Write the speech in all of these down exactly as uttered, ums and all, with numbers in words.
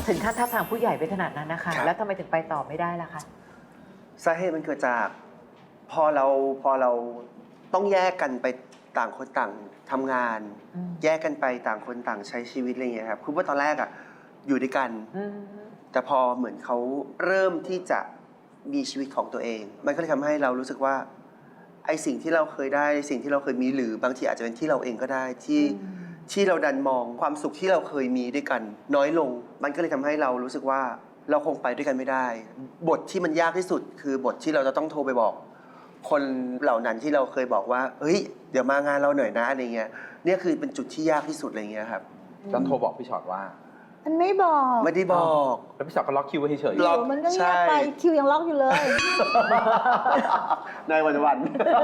ถึงขั้นท้าทางผู้ใหญ่ไปขนาดนั้นนะคะแล้วทำไมถึงไปต่อไม่ได้ล่ะคะสาเหตุมันเกิดจากพอเราพอเราต้องแยกกันไปต่างคนต่างทำงานแยกกันไปต่างคนต่างใช้ชีวิตอะไรอย่างเงี้ยครับคือว่าตอนแรกอ่ะอยู่ด้วยกันแต่พอเหมือนเขาเริ่มที่จะมีชีวิตของตัวเองมันก็เลยทำให้เรารู้สึกว่าไอสิ่งที่เราเคยได้สิ่งที่เราเคยมีหรือบางทีอาจจะเป็นที่เราเองก็ได้ที่ที่เราดันมองความสุขที่เราเคยมีด้วยกันน้อยลงมันก็เลยทำให้เรารู้สึกว่าเราคงไปด้วยกันไม่ได้บทที่มันยากที่สุดคือบทที่เราจะต้องโทรไปบอกคนเหล่านั้นที่เราเคยบอกว่าเฮ้ยเดี๋ยวมางานเราหน่อยนะอะไรเงี้ยเนี่ยคือเป็นจุดที่ยากที่สุดอะไรเงี้ยครับต้องโทรบอกพี่ชอตว่ามันไม่บอกไม่ได้บอกแล้วพี่ชอตก็ล็อกคิวไว้เฉยๆล็อกมันก็เงียบไปคิวยังล็อกอยู่เลยในวันวัน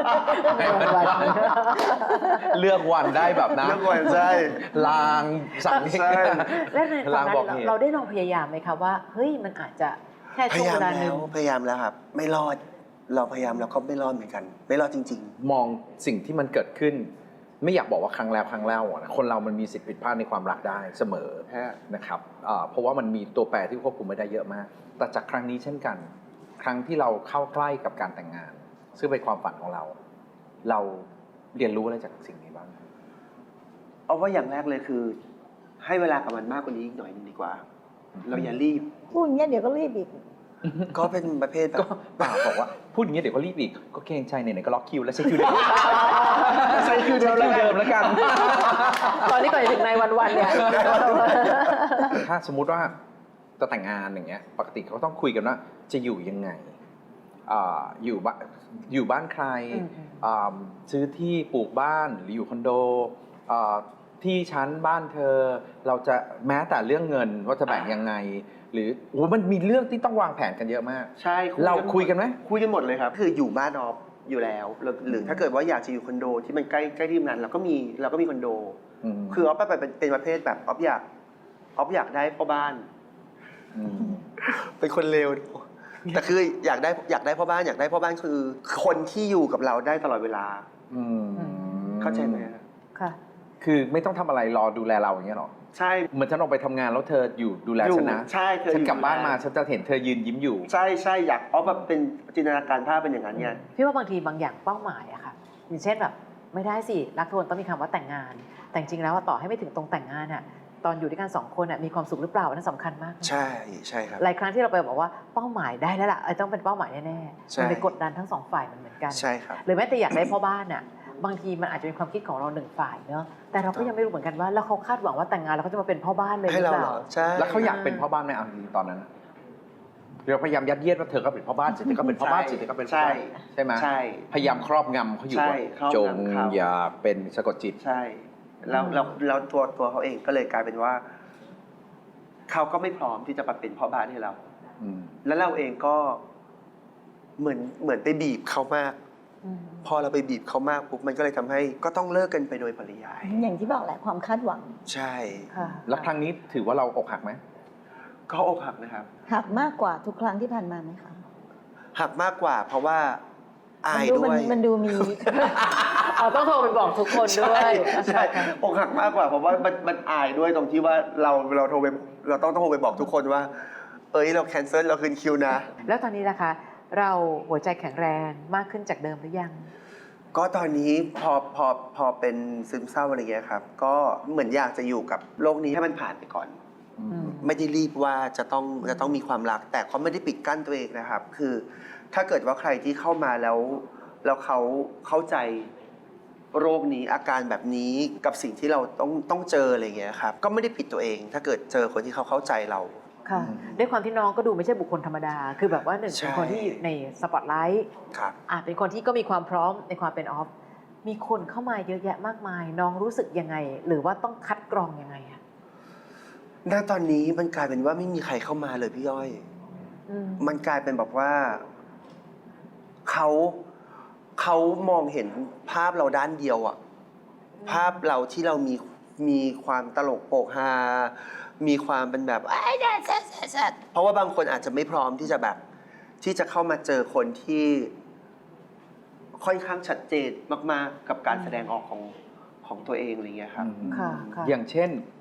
เลือกวันได้แบบนั้นเลือกวันใช่ลางสั่งใช่และในตอนนั้นเราได้ลองพยายามไหมคะว่าเฮ้ยมันอาจจะแค่ช่วงเวลาหนึ่งพยายามแล้วครับไม่รอดเราพยายามแล้วก็ไม่รอดเหมือนกันไม่รอดจริงๆมองสิ่งที่มันเกิดขึ้นไม่อยากบอกว่าครั้งแล้วครั้งเล่านะคนเรามันมีสิทธิ์ผิดพลาดในความรักได้เสมอนะครับเพราะว่ามันมีตัวแปรที่ควบคุมไม่ได้เยอะมากแต่จากครั้งนี้เช่นกันครั้งที่เราเข้าใกล้กับการแต่งงานซึ่งเป็นความฝันของเราเราเรียนรู้อะไรจากสิ่งนี้บ้างเอาว่าอย่างแรกเลยคือให้เวลากับมันมากกว่านี้อีกหน่อยนึงดีกว่าเราอย่ารีบพูดอย่างนี้เดี๋ยวก็รีบอีกก็เป็นประเภทก็เปล่าบอกว่าพูดอย่างนี้เดี๋ยวก็รีบอีกก็เกรงใจไหนๆก็ล็อกคิวแล้วใช้คิวเดิมใช้คิวเดิมแล้วกันตอนนี้ก่อนถึงในวันๆเนี่ยถ้าสมมุติว่าจะแต่งงานอย่างเงี้ยปกติเขาต้องคุยกันว่าจะอยู่ยังไงอยู่บ้านอยู่บ้านใครซื้อที่ปลูกบ้านหรืออยู่คอนโดที่ชั้นบ้านเธอเราจะแม้แต่เรื่องเงินว่าจะแบ่งยังไงหรือโอ้มันมีเรื่องที่ต้องวางแผนกันเยอะมากใช่เราคุยกันไหมคุยกันหมดเลยครับคืออยู่บ้านออฟอยู่แล้วหรือถ้าเกิดว่าอยากจะอยู่คอนโดที่มันใกล้ใกล้ที่ทำงานเราก็มีเราก็มีคอนโดคือออฟไปเป็นประเภทแบบออฟอยากออฟอยากได้พ่อบ้านเป็นคนเลวแต่คืออยากได้อยากได้พ่อบ้านอยากได้พ่อบ้านคือคนที่อยู่กับเราได้ตลอดเวลาเข้าใจไหมค่ะคือไม่ต้องทำอะไรรอดูแลเราอย่างเงี้ยหรอใช่เหมือนฉันออกไปทำงานแล้วเธออยู่ดูแลฉันนะใช่เธอฉันกลับบ้านมาฉันจะเห็นเธอยืนยิ้มอยู่ใช่ใช่อยากออฟแบบเป็นจินตนาการภาพเป็นอย่างนั้นไงพี่ว่าบางทีบางอย่างเป้าหมายอะค่ะอย่างเช่นแบบไม่ได้สิรักทวนต้องมีคำว่าแต่งงานแต่จริงแล้วต่อให้ไม่ถึงตรงแต่งงานอะตอนอยู่ด้วยกันสองคนอะมีความสุขหรือเปล่านั่นสำคัญมากใช่ใช่ครับหลายครั้งที่เราไปบอกว่าเป้าหมายได้แล้วล่ะต้องเป็นเป้าหมายแน่ๆมันไปกดดันทั้งสองฝ่ายมันเหมือนกันใช่ครับหรือแม้แต่อยากได้พ่อบ้านอะบางทีมันอาจจะเป็นความคิดของเราหนึ่งฝ่ายเนอะแต่เราก็ยังไม่รู้เหมือนกันว่าแล้วเขาคาดหวังว่าแต่งงานแล้วเขาจะมาเป็นพ่อบ้านเลยหรือเปล่าใช่แล้วเขาอยากเป็นพ่อบ้านไหมอ่ะตอนนั้นเราพยายามยัดเยียดว่าเธอก็เป็นพ่อบ้านสิเธอก็เป็นพ่อบ้านสิเธอก็เป็นใช่ใช่ไหมใช่พยายามครอบงำเขาอยู่ว่าจงอย่าเป็นสะกดจิตใช่แล้วเราเราตัวตัวเขาเองก็เลยกลายเป็นว่าเขาก็ไม่พร้อมที่จะมาเป็นพ่อบ้านให้เราแล้วเราเองก็เหมือนเหมือนไปบีบเขามากพอเราไปบีบเขามากปุ๊บมันก็เลยทำให้ก็ต้องเลิกกันไปโดยปริยายอย่างที่บอกแหละความคาดหวังใช่แล้วครั้งนี้ถือว่าเราอกหักไหมก็อกหักนะครับหักมากกว่าทุกครั้งที่ผ่านมาไหมคะหักมากกว่าเพราะว่าอายด้วยมันดูมีเราต้องโทรไปบอกทุกคนด้วยใช่อกหักมากกว่าเพราะว่ามันมันอายด้วยตรงที่ว่าเราเราโทรไปเราต้องโทรไปบอกทุกคนว่าเอ้ยเราแคนเซิลเราคืนคิวนะแล้วตอนนี้นะคะเราหัวใจแข็งแรงมากขึ้นจากเดิมหรือยังก็ตอนนี้พอพอพอเป็นซึมเศร้าอะไรเงี้ยครับก็เหมือนอยากจะอยู่กับโลกนี้ให้มันผ่านไปก่อนไม่ได้รีบว่าจะต้องจะต้องมีความรักแต่เขาไม่ได้ปิดกั้นตัวเองนะครับคือถ้าเกิดว่าใครที่เข้ามาแล้วแล้วเขาเข้าใจโรคนี้อาการแบบนี้กับสิ่งที่เราต้องต้องเจออะไรเงี้ยครับก็ไม่ได้ผิดตัวเองถ้าเกิดเจอคนที่เขาเข้าใจเราค่ะด้วยความที่น้องก็ดูไม่ใช่บุคคลธรรมดาคือแบบว่าหนึ่งเป็นคนที่ในสปอตไลท์อาจเป็นคนที่ก็มีความพร้อมในความเป็นออฟมีคนเข้ามาเยอะแยะมากมายน้องรู้สึกยังไงหรือว่าต้องคัดกรองยังไงอะณตอนนี้มันกลายเป็นว่าไม่มีใครเข้ามาเลยพี่ย้อยมันกลายเป็นแบบว่าเขาเขามองเห็นภาพเราด้านเดียวอะภาพเราที่เรามีมีความตลกโปกฮามีความเป็นแบบไอ้แซ่แซ่แซ่เพราะว่าบางคนอาจจะไม่พร้อมที่จะแบบที่จะเข้ามาเจอคนที่ค่อนข้างชัดเจนมากๆกับการแสดงออกของของตัวเองอะไรเงี้ยครับอย่างเช่น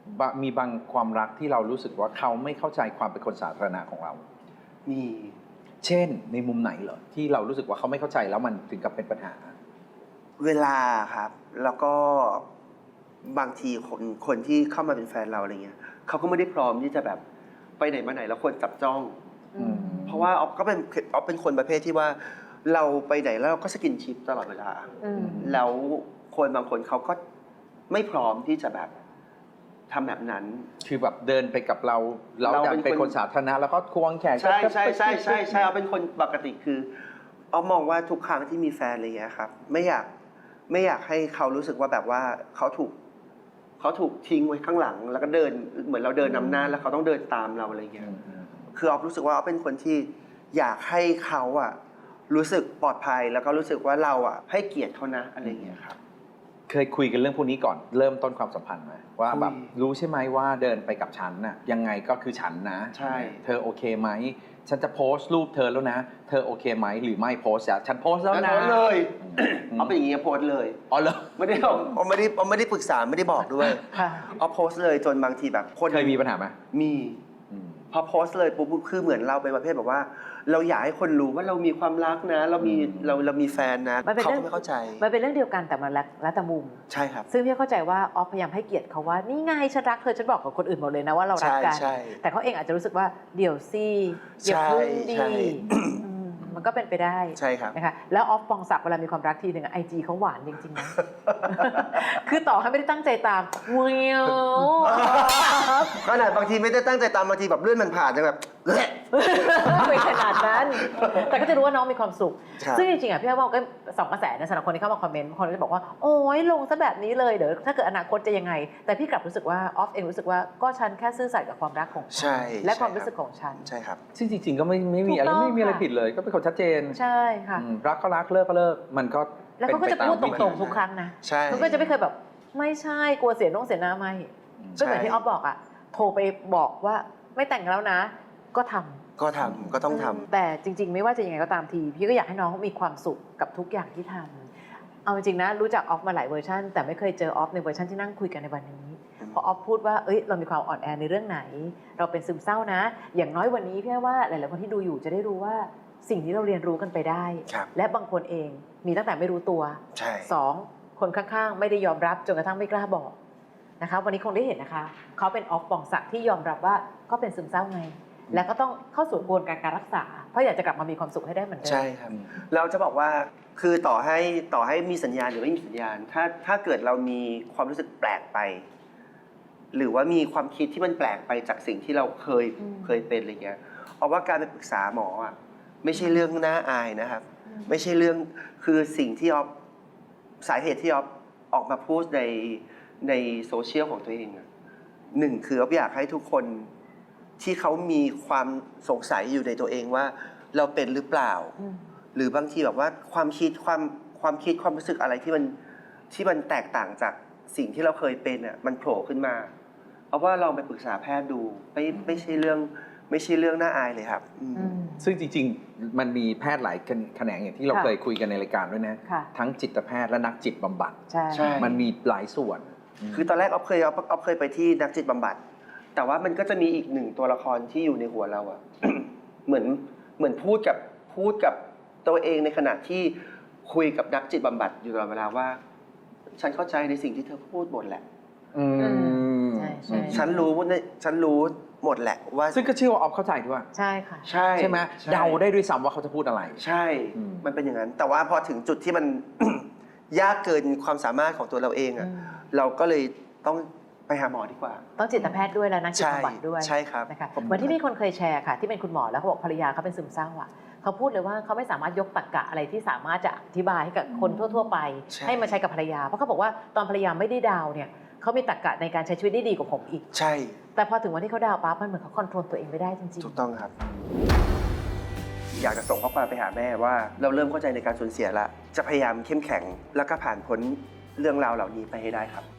บะมีบางความรักที่เรารู้สึกว่าเขาไม่เข้าใจความเป็นคนสาธารณะของเรามีเช่นในมุมไหนเหรอที่เรารู้สึกว่าเขาไม่เข้าใจแล้วมันถึงกับเป็นปัญหาเวลาครับ แล้วก็บางทีคนคนที่เข้ามาเป็นแฟนเราอะไรเงี้ยเขาก็ไม่ได้พร้อมที่จะแบบไปไหนมาไหนแล้วคนจับจ้องอืมเพราะว่าออฟก็เป็นออฟเป็นคนประเภทที่ว่า เราไปไหนแล้วเราก็สกินชิปตลอดเวลาอืมแล้วคนบางคนเขาก็ไม่พร้อมที่จะแบบทำแบบนั้นคือแบบเดินไปกับเราเราเราอยากเป็นเป็นคนคนสาธารณะแล้วก็ควงแขนใช่ก็ใช่ใช่ใช่ใช่ก็เอาเป็นคนปกติคือเอามองว่าทุกครั้งที่มีแฟนอะไรเงี้ยครับ ไม่อยากไม่อยากให้เขารู้สึกว่าแบบว่าเขาถูกเขาถูกทิ้งไว้ข้างหลัง แล้วก็เดินเหมือนเราเดินนำหน้าแล้วเขาต้องเดินตามเราอะไรเงี้ยอืมอืมคือออฟรู้สึกว่าออฟเป็นคนที่อยากให้เขาอะรู้สึกปลอดภัยแล้วก็รู้สึกว่าเราอะให้เกียรติเขานะอะไรเงี้ยครับเคยคุยกันเรื่องพวกนี้ก่อนเริ่มต้นความสัมพันธ์ไหมว่าแบบคุยรู้ใช่ไหมว่าเดินไปกับฉันน่ะยังไงก็คือฉันนะใช่เธอโอเคไหมฉันจะโพสต์รูปเธอแล้วนะ เธอโอเคไหมหรือไม่โพสต์อะฉันโพสต์แล้วแล้วนะโพสต์เลยอืมเอาเป็นอย่างงี้โพสต์เลยอ๋อเหรอไม่ได้เอาเอาไม่ได้เอาไม่ได้ปรึกษาไม่ได้บอกด้วยค่ะเอาโพสต์เลยจนบางทีแบบคนเคยมีปัญหาไหมมีอืมพอโพสต์เลยปุ๊บคือเหมือนเราเป็นประเภทแบบว่า เราอยากให้คนรู้ว่าเรามีความรักนะ เรามีอืมเราเรามีแฟนนะมันเป็นเขาเรื่ก็องไม่เข้าใจมันเป็นเรื่องเดียวกันแต่มันแล้วแล้วแต่มุมใช่ครับซึ่งพี่เข้าใจว่าออฟพยายามให้เกียรติเขาว่านี่ไงฉันรักเธอฉันบอกกับคนอื่นหมดเลยนะว่าเรารักกันใช่ใช่แต่เขาเองอาจจะรู้สึกว่าเดี๋ยวสิอย่าใช่เพึ่งดีใช่อืมมันก็เป็นไปได้ใช่ครับนะคะแล้วออฟปองศักดิ์เวลามีความรักทีหนึ่งไอจีเขาหวานจริงๆนะ คือต่อให้ไม่ได้ตั้งใจตามเวียวขนาดบางทีไม่ได้ตั้งใจตามบางทีแบบเลื่อนมันผ่านจะแบบเละไม่ขนาดนั้น แต่ก็จะรู้ว่าน้องมีความสุขใช่ซึ่งจริงๆอ่ะพี่ว่าก็สองกระแสนะสำหรับคนที่เข้ามาคอมเมนต์บางคนก็จะบอกว่าโอ้ยลงซะแบบนี้เลยเดี๋ยวถ้าเกิดอนาคตจะยังไง แต่พี่กลับรู้สึกว่าออฟเองรู้สึกว่าก็ฉันแค่ซื่อสัตย์กับความรักของฉัใช่และความใช่รู้สึกของฉันใช่ครับซึ่งจริงๆก็ไม่ไม่มีอะไรถูกต้องไม่มีอะไรค่ะผิดเลย ก็เป็นคนชัดเจนใช่ค่ะอืมรักก็รักเลิกก็เลิกมันก็แล้วเขาก็เป็นจะไปตามพูดตวิธีรงๆทุกครั้งนะใช่เขาก็จะไม่เคยแบบไม่ใช่กลัวเสียน้องเสียหน้าไม่อืมก็เหมือนที่ออฟบอกอ่ะโทรไปบอกว่าไม่แต่งแล้วนะ ก็ทำก็ทำก็ต้องทำแต่จริงๆ ไม่ว่าจะยังไงก็ตามทีพี่ก็อยากให้น้องมีความสุขกับทุกอย่างที่ทำเอาจริงๆนะรู้จักออฟมาหลายเวอร์ชันแต่ไม่เคยเจอออฟในเวอร์ชันที่นั่งคุยกันในวันนี้พอออฟพูดว่าเอ้ยเรามีความอ่อนแอในเรื่องไหน เราเป็นซึมเศร้านะ อย่างน้อยวันนี้พี่ว่าหลายๆคนที่ดูอยู่จะได้รู้ว่าสิ่งที่เราเรียนรู้กันไปได้ครับและบางคนเองมีตั้งแต่ไม่รู้ตัวใช่สองคนข้างๆ ไม่ได้ยอมรับจนกระทั่งไม่กล้าบอกนะคะวันนี้คงได้เห็นนะคะเขาเป็นออฟปองศักดิ์ที่ยอมรับว่าก็เป็นซึมเศร้าไง แล้วก็ต้องเข้าสู่กระบวนการการรักษา เพราะอยากจะกลับมามีความสุขให้ได้เหมือนเดิมใช่ครับ เราจะบอกว่าคือต่อให้ต่อให้มีสัญญาณหรือไม่มีสัญญาณ ถ้าถ้าเกิดเรามีความรู้สึกแปลกไป หรือว่ามีความคิดที่มันแปลกไปจากสิ่งที่เราเคยอืมเคยเป็นอะไรเงี้ยเอาว่าการไปปรึกษาหมออ่ะไม่ใช่เรื่องน่าอายนะครับ ไม่ใช่เรื่องคือสิ่งที่ออฟสาเหตุที่ออฟออกมาพูดในในโซเชียลของตัวเองอะหนึ่งคือออฟอยากให้ทุกคนที่เขามีความสงสัยอยู่ในตัวเองว่าเราเป็นหรือเปล่าอืมหรือบางทีแบบว่าความคิดความความคิดความรู้สึกอะไรที่มันที่มันแตกต่างจากสิ่งที่เราเคยเป็นอ่ะมันโผล่ขึ้นมาเอาว่าลองไปปรึกษาแพทย์ดูไม่ไม่ใช่เรื่องไม่ใช่เรื่องน่าอายเลยครับอืมอืมซึ่งจริงๆ มันมีแพทย์หลายแขนงอย่างที่เราค่ะเคยคุยกันในรายการด้วยนะค่ะทั้งจิตแพทย์และนักจิตบำบัดใช่ใช่มันมีหลายส่วนคือตอนแรกออฟเคยออฟออฟเคยไปที่นักจิตบำบัด แต่ว่ามันก็จะมีอีกหนึ่งตัวละครที่อยู่ในหัวเราอะ เหมือนเหมือนพูดกับพูดกับตัวเองในขณะที่คุยกับนักจิตบำบัดอยู่ตลอดเวลาว่า ฉันเข้าใจในสิ่งที่เธอพูดหมดแหละอืมใช่ใช่ฉันรู้ว่าเนี่ยฉันรู้หมดแหละว่าซึ่งก็เชื่อว่าออฟเข้าใจด้วยใช่ค่ะใช่ใช่ไหมใช่เดาได้ด้วยซ้ำว่าเขาจะพูดอะไรใช่อืมมันเป็นอย่างนั้น แต่ว่าพอถึงจุดที่มัน ยากเกินความสามารถของตัวเราเองอะอืมเราก็เลยต้องไปหาหมอดีกว่าต้องจิตแพทย์ด้วยและนักจิตบำบัดด้วยใช่ครับนะคะผมเหมือนที่มีคนเคยแชร์ค่ะ ที่เป็นคุณหมอแล้วเขาบอกภรรยาเขาเป็นซึมเศร้าอ่ะเขาพูดเลยว่าเขาไม่สามารถยกตรรกะอะไรที่สามารถจะอธิบายให้กับคนทั่ว ๆ ไปใช่ให้มาใช้กับภรรยา เพราะเขาบอกว่าตอนภรรยาไม่ได้ดาวเนี่ยเขามีตรรกะในการใช้ชีวิตได้ดีกว่าผมอีกใช่แต่พอถึงวันที่เขาดาวปั๊บมันเหมือนเขาคอนโทรลตัวเองไม่ได้จริงถูกต้องครับ อยากจะส่งข้อความไปหาแม่ว่า เราเริ่มเข้าใจในการสูญเสียแล้ว จะพยายามเข้มแข็งแล้วก็ผ่านพ้นเรื่องราวเหล่านี้ไปให้ได้ครับ